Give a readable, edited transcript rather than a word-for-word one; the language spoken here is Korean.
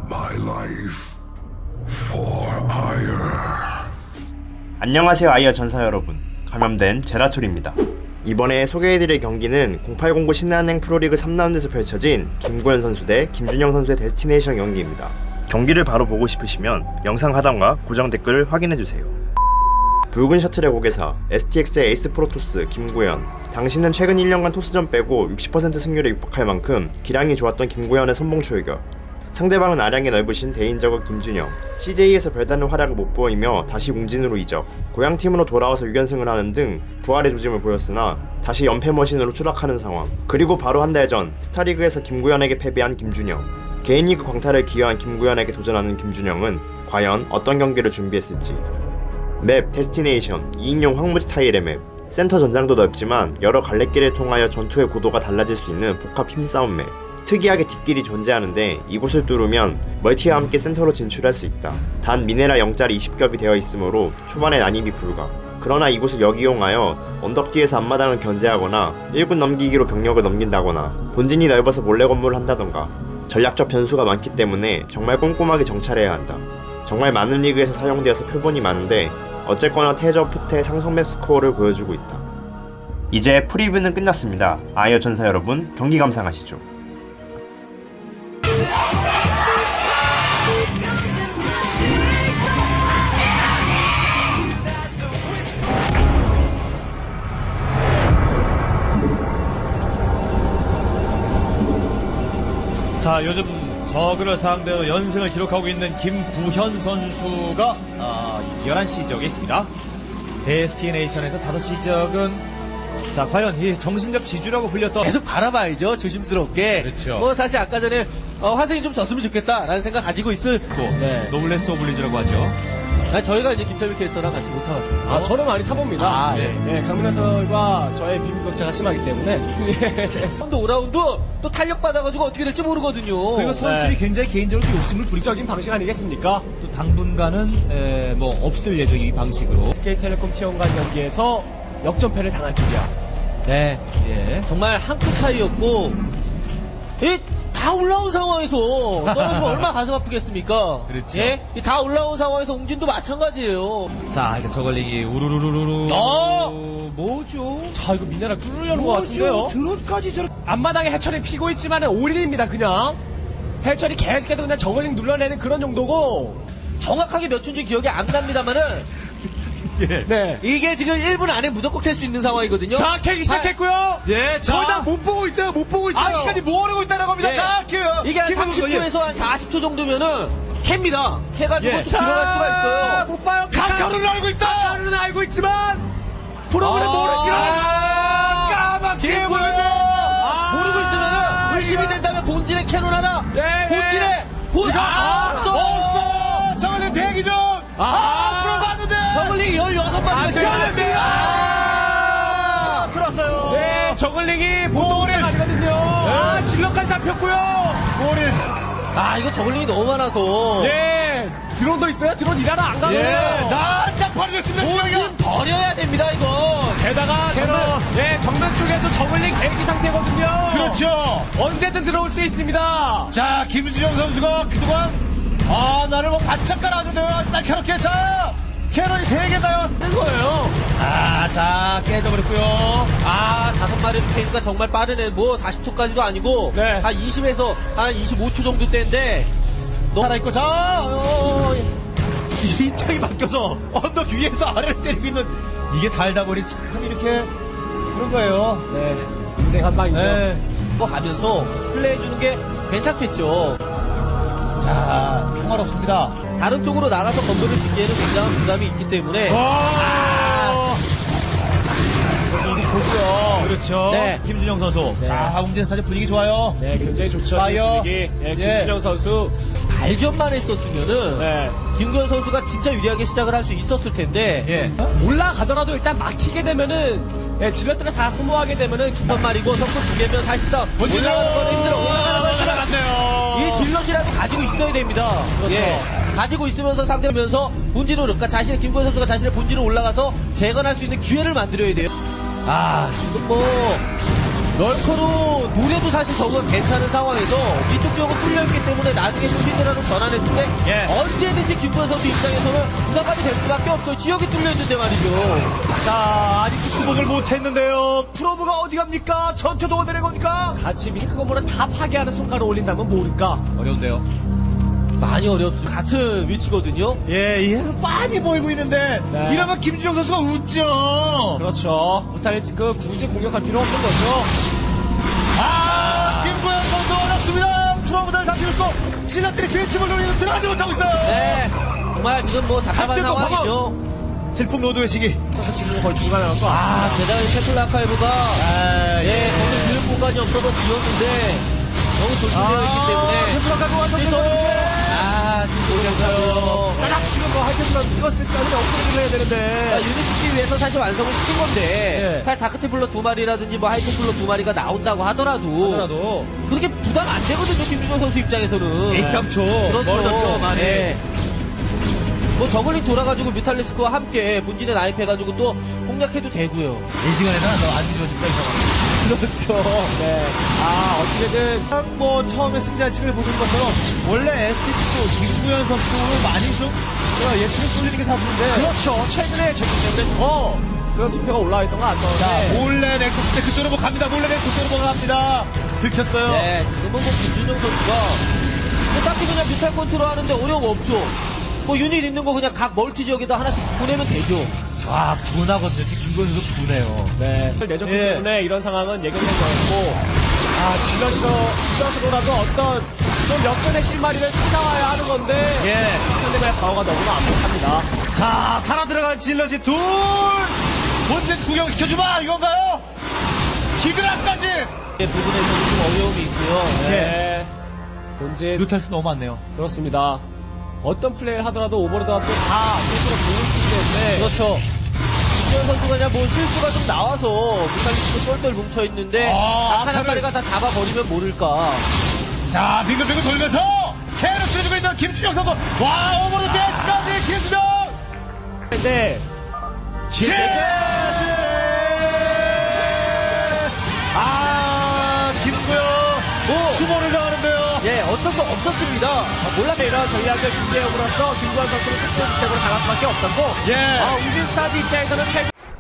my life for Ire. 안녕하세요 아이어 전사 여러분, 감염된 제라툴입니다. 이번에 소개해드릴 경기는 0809 신한은행 프로리그 3라운드에서 펼쳐진 김구현 선수 대 김준영 선수의 데스티네이션 경기입니다. 경기를 바로 보고 싶으시면 영상 하단과 고정 댓글을 확인해주세요. 붉은 셔틀의 고개사 STX의 에이스 프로토스 김구현. 당신은 최근 1년간 토스전 빼고 60% 승률에 육박할 만큼 기량이 좋았던 김구현의 선봉 출격. 상대방은 아량이 넓으신 대인저그 김준영. CJ에서 별다른 활약을 못 보이며 다시 웅진으로 이적. 고향팀으로 돌아와서 6연승을 하는 등 부활의 조짐을 보였으나 다시 연패 머신으로 추락하는 상황. 그리고 바로 한 달 전 스타리그에서 김구현에게 패배한 김준영. 개인리그 광탈을 기여한 김구현에게 도전하는 김준영은 과연 어떤 경기를 준비했을지. 맵 데스티네이션 2인용 황무지 타일의 맵. 센터 전장도 넓지만 여러 갈래길을 통하여 전투의 구도가 달라질 수 있는 복합 힘싸움 맵. 특이하게 뒷길이 존재하는데 이곳을 뚫으면 멀티와 함께 센터로 진출할 수 있다. 단 미네랄 0짜리 20겹이 되어 있으므로 초반에 난입이 불가. 그러나 이곳을 역이용하여 언덕 뒤에서 앞마당을 견제하거나 1군 넘기기로 병력을 넘긴다거나 본진이 넓어서 몰래 건물을 한다던가 전략적 변수가 많기 때문에 정말 꼼꼼하게 정찰해야 한다. 정말 많은 리그에서 사용되어서 표본이 많은데 어쨌거나 태저 푸테 상성맵 스코어를 보여주고 있다. 이제 프리뷰는 끝났습니다. 아이어 전사 여러분, 경기 감상하시죠. 자, 요즘 저그를 상대로 연승을 기록하고 있는 김구현 선수가 11시 지역에 있습니다. 데스티네이션에서 5시 지역은 자, 과연 이 정신적 지주라고 불렸던 계속 바라봐야죠, 조심스럽게. 그렇죠. 뭐 사실 아까 전에 화성이 좀 졌으면 좋겠다라는 생각 가지고 있을 또 노블레스 오블리즈라고 하죠. 저희가 이제 김철민 캐스터랑 같이 못 타거든요. 저는 많이 타봅니다. 네. 네, 강민아설과 저의 비교격차가 심하기 때문에. 또 5라운드 또 탄력 받아가지고 어떻게 될지 모르거든요. 그리고 선수들이 굉장히 개인적으로 욕심을 부리죠. 적인 방식 아니겠습니까? 또 당분간은 뭐 없을 예정이 이 방식으로. SK텔레콤 T1간 경기에서 역전패를 당할 줄이야. 네, 예. 정말 한 끗 차이였고, 다 올라온 상황에서 떨어지면 얼마나 가슴 아프겠습니까? 그렇죠. 예? 다 올라온 상황에서 웅진도 마찬가지예요. 자, 일단 저걸링이 우르르르르르. 뭐죠? 자, 이거 미네랄 뚫으려는 것 같은데요? 드론까지 저렇게. 앞마당에 해철이 피고 있지만 올인입니다, 그냥. 해철이 계속해서 그냥 저글링 눌러내는 그런 정도고. 정확하게 몇 초인지 기억이 안 납니다만은 예. 네. 이게 지금 1분 안에 무조건 될 수 있는 상황이거든요. 자, 캐기 시작했고요. 예, 거의 다 못 보고 있어요, 못 보고 있어요. 아직까지 모르고 있다는 겁니다. 예. 자, 이게 한 30초에서 한 40초 정도면은 캡니다. 캐가지고 예. 들어갈 수가 있어요. 못 봐요. 가짜로는 알고 있다. 가짜로는 알고 있지만 프로그램 모르지만 까맣게 모르고 있으면은 의심이 된다면 본진의 캐논 하나. 네, 본진의 없어. 없어. 저걸링 대기 중. 앞으로 봤는데. 저글링 16마리가 들었어요. 네, 저글링이 보통 골인. 아니거든요. 질럿까지 잡혔고요. 골인. 이거 저글링이 너무 많아서. 네, 드론도 있어요. 드론 일하러 안 가요. 난장판이 됐습니다. 본진 버려야 됩니다, 이거. 게다가 정면 쪽에도 저글링 대기 상태거든요. 그렇죠. 언제든 들어올 수 있습니다. 자, 김준영 선수가 그동안 나를 뭐 바짝 깔아주네요. 나 캐럿게. 자, 캐럿이 3개다요. 뜬 거예요. 자, 깨져버렸고요. 5마리 페이스가 정말 빠르네. 뭐 40초까지도 아니고 네. 한 20에서 한 25초 정도 때인데 살아있고, 자, 이 땅이 바뀌어서 언덕 위에서 아래를 때리고 있는 이게 살다 보니 참 이렇게 그런 거예요. 네, 인생 한 방이죠. 네. 뭐 가면서 플레이해주는 게 괜찮겠죠. 자, 평화롭습니다. 다른 쪽으로 나가서 건물을 짓기에는 굉장한 부담이 있기 때문에 보죠. 그렇죠. 네. 김준영 선수. 자, 웅진 스타즈 분위기 좋아요. 네, 굉장히 좋죠. 파이어. 분위기. 네, 예. 김준영 선수. 발견만 했었으면은 네. 김구현 선수가 진짜 유리하게 시작을 할 수 있었을 텐데 예. 올라가더라도 일단 막히게 되면은 질럿들을 다 소모하게 되면은 한 말이고 성공 2개면 사실상 올라가는 건 힘들어. 올라갔네요. 이 질럿이라도 가지고 있어야 됩니다. 그렇죠. 가지고 있으면서 상대면서 본진으로, 그러니까 자신의 김구현 선수가 자신의 본진으로 올라가서 재건할 수 있는 기회를 만들어야 돼요. 지금 뭐 럴커로 노래도 사실 저거 괜찮은 상황에서 이쪽 지역은 뚫려있기 때문에 나중에 히드라로 전환했을 때 예. 언제든지 김구현 선수 입장에서는 부상까지 될 수밖에 없어요. 지역이 뚫려있는데 말이죠. 자, 아직도 수복을 못했는데요. 프로브가 어디 갑니까? 전투도 어디 된 겁니까? 같이 그거보다 다 파괴하는 성과를 올린다면 모를까. 어려운데요. 많이 어렵습니다. 같은 위치거든요. 예, 얘가 빤히 보이고 있는데 네. 이러면 김주영 선수가 웃죠. 그렇죠. 무탈리스크 굳이 공격할 필요 없는 거죠. 아, 김구현 선수 어렵습니다. 프로브들 다 들고 진압들이 빈틈을 노리는 들어가지 못하고 있어요. 네. 정말 지금 뭐 답답한 갑자기 또 상황이죠. 질풍 로드의 시기. 지금 거의 불가능한 거. 아, 게다가 셰플 아카이브가 예, 거기 들을 공간이 없어서 비었는데 너무 조심되어 있기 때문에 셰프라카고 완성. 지금 모르겠어요. 딱 지금 뭐 하이템플러 찍었을 때 아니면 업그레이드를 해야 되는데. 유닛 시키기 위해서 사실 완성을 시킨 건데 예. 사실 다크테플러 2마리라든지 뭐 하이테플러 2마리가 나온다고 하더라도 그렇게 부담 안 되거든요. 김준호 선수 입장에서는. 에이스 탐초. 그렇죠. 멀어졌죠, 많이. 네. 뭐 저글링 돌아가지고 뮤탈리스크와 함께 본진에 나입해가지고 또 공략해도 되고요. 이 시간에는 너안 뒤집어진다, 이 상황. 그렇죠. 네. 어떻게든 뭐 처음에 승자측을 보신 것처럼 원래 STC도 김구현 선수를 많이 좀 예측을 쏠리는 게 사실인데. 그렇죠. 최근에 저기 때문에 더 그런 투표가 올라와 있던 거 안 자, 나오는데. 몰래 넥서스 때 그쪽으로 뭐 갑니다. 몰래 넥서스로 뭐 갑니다. 들켰어요. 네, 지금은 뭐 김준영 선수가 뭐 딱히 그냥 뮤탈 컨트롤 하는데 어려움 없죠. 뭐 유닛 있는 거 그냥 각 멀티 지역에다 하나씩 보내면 되죠. 와, 분하거든요. 지금 김구현 선수 분해요. 네. 내줬기 예. 때문에 이런 상황은 예견된 거였고. 질럿으로라도 어떤 좀 역전의 실마리를 찾아와야 하는 건데. 예. 상대방의 방어가 너무나 압박합니다. 자, 살아 들어간 질럿이 둘! 본진 구경시켜주마! 이건가요? 기그라까지! 이 부분에서 좀 어려움이 있고요. 네. 본진 루탈수 너무 많네요. 그렇습니다. 어떤 플레이를 하더라도 오버로드가 또 다 스스로 보여주기 때문에. 그렇죠. 김준영 선수가 그냥 뭐 실수가 좀 나와서 뮤탈리스크 똘똘 뭉쳐있는데 아, 한 마리가 다 잡아버리면 모를까. 자, 빙글빙글 돌면서 캐를 쓰여주고 있는 김준영 선수. 와, 오버로드 데스까지 김준영! 근데 김구영 오! 수모를 당하는데요. 예, 어떤 거 없었습니다. 몰랐네. 이런 전략을 준비해오므로써 김구현 선수는 특수 직책으로 당할 수밖에 없었고 예. 우진 스타즈 입장에서는 최근